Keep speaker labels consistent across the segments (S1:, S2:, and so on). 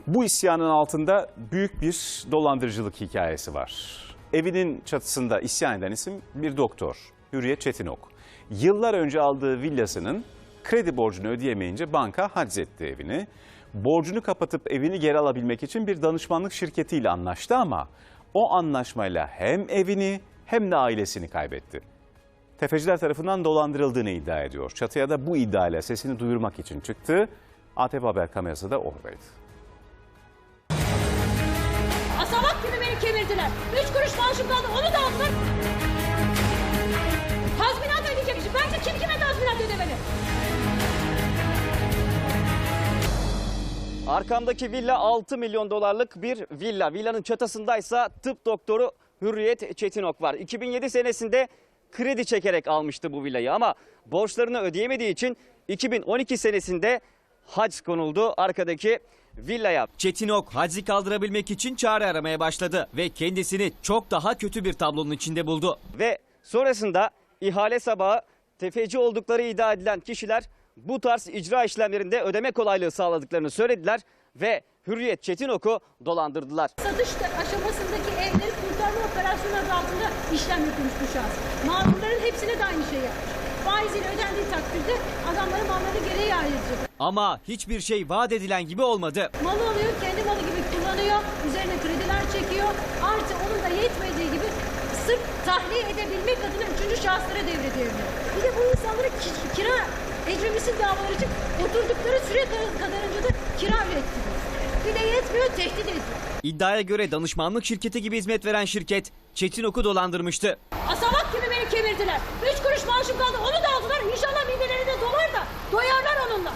S1: Bu isyanın altında büyük bir dolandırıcılık hikayesi var. Evinin çatısında isyan eden isim bir doktor, Hürriyet Çetinok. Yıllar önce aldığı villasının kredi borcunu ödeyemeyince banka haczetti evini. Borcunu kapatıp evini geri alabilmek için bir danışmanlık şirketiyle anlaştı ama o anlaşmayla hem evini hem de ailesini kaybetti. Tefeciler tarafından dolandırıldığını iddia ediyor. Çatıya da bu iddiayla sesini duyurmak için çıktı. ATV Haber kamerası da oradaydı.
S2: Asamak gibi beni kemirdiler. 3 kuruş maaşım kaldı, onu da aldılar. Tazminat ödeyecekmişim. Bence kim kime tazminat ödemeli?
S3: Arkamdaki villa 6 milyon dolarlık bir villa. Villanın çatısındaysa tıp doktoru Hürriyet Çetinok var. 2007 senesinde kredi çekerek almıştı bu villayı ama borçlarını ödeyemediği için 2012 senesinde hac konuldu arkadaki villaya. Çetinok haczi kaldırabilmek için çare aramaya başladı ve kendisini çok daha kötü bir tablonun içinde buldu. Ve sonrasında ihale sabahı tefeci oldukları iddia edilen kişiler bu tarz icra işlemlerinde ödeme kolaylığı sağladıklarını söylediler ve Hürriyet Çetinok'u dolandırdılar.
S2: Satış aşamasındaki evleri kurtarma operasyonu adı altında işlem yapılmış bu şahıs. Mağdurların hepsine de aynı şey yapmış. Faiziyle ödendiği takdirde adamların malları geriye ayrılacak.
S3: Ama hiçbir şey vaat edilen gibi olmadı.
S2: Malı alıyor, kendi malı gibi kullanıyor, üzerine krediler çekiyor. Artı onun da yetmediği gibi sırf tahliye edebilmek adına 3. şahıslara devrediyor. Bir de bu insanlara kira ecremisi davaları için oturdukları süre kadarınca da kira ürettiriyor. Bir de yetmiyor, tehdit ediyor.
S3: İddiaya göre danışmanlık şirketi gibi hizmet veren şirket Çetinok'u dolandırmıştı.
S2: Asamak gibi beni kemirdiler. 3 kuruş maaşım kaldı, onu da aldılar. İnşallah midelerine dolar da doyarlar onunla.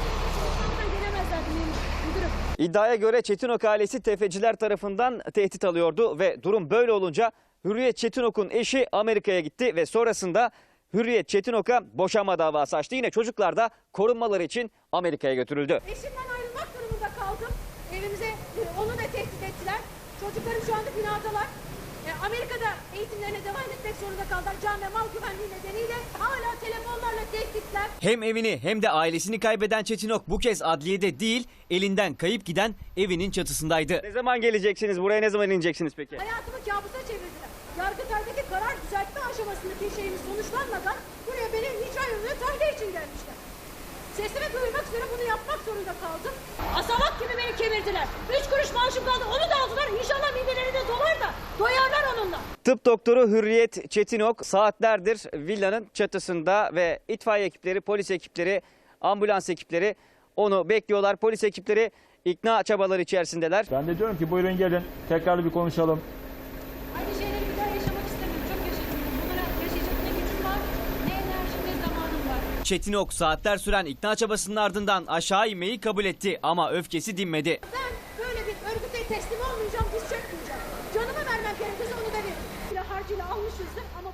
S2: Gelemezler müdürüm.
S3: İddiaya göre Çetinok ailesi tefeciler tarafından tehdit alıyordu ve durum böyle olunca Hürriyet Çetinok'un eşi Amerika'ya gitti ve sonrasında Hürriyet Çetinok'a boşanma davası açtı. Yine çocuklar da korunmaları için Amerika'ya götürüldü.
S2: Eşimden ayrılmak durumunda kaldım. Evimize onu da tehdit ettiler. Çocuklarım şu anda binadalar. Amerika'da eğitimlerine devam etmek zorunda kaldılar. Can ve mal güvenliği nedeniyle hala telefonlarla tehditler.
S3: Hem evini hem de ailesini kaybeden Çetinok bu kez adliyede değil, elinden kayıp giden evinin çatısındaydı. Ne zaman geleceksiniz? Buraya ne zaman ineceksiniz peki?
S2: Hayatımı kabusa çevirdiler. Yargıtay'daki karar düzeltme aşamasındaki şeyimiz sonuçlanmadan buraya beni icra yoluna tahliye için gelmişler. Sesimi duyurmak üzere bunu yapmak zorunda kaldım. Asamak gibi beni kemirdiler. 3 kuruş maaşım kaldı, onu da aldılar. İnşallah midelerine dolar da doyarlar onunla.
S3: Tıp doktoru Hürriyet Çetinok saatlerdir villanın çatısında ve itfaiye ekipleri, polis ekipleri, ambulans ekipleri onu bekliyorlar. Polis ekipleri ikna çabaları içerisindeler.
S4: Ben de diyorum ki buyurun gelin tekrar bir konuşalım.
S2: Aynı şeyleri bir daha yaşamak istemiyorum. Çok yaşadım. Bunlara yaşayacak ne gücüm var, ne enerjim ne zamanım var.
S3: Çetinok saatler süren ikna çabasının ardından aşağı inmeyi kabul etti ama öfkesi dinmedi.
S2: Ben böyle bir örgüte teslim olmayacağım, diz çökmeyeceğim. Canımı vermem gerekirse onu da veririm. Harcıyla almışızdır ama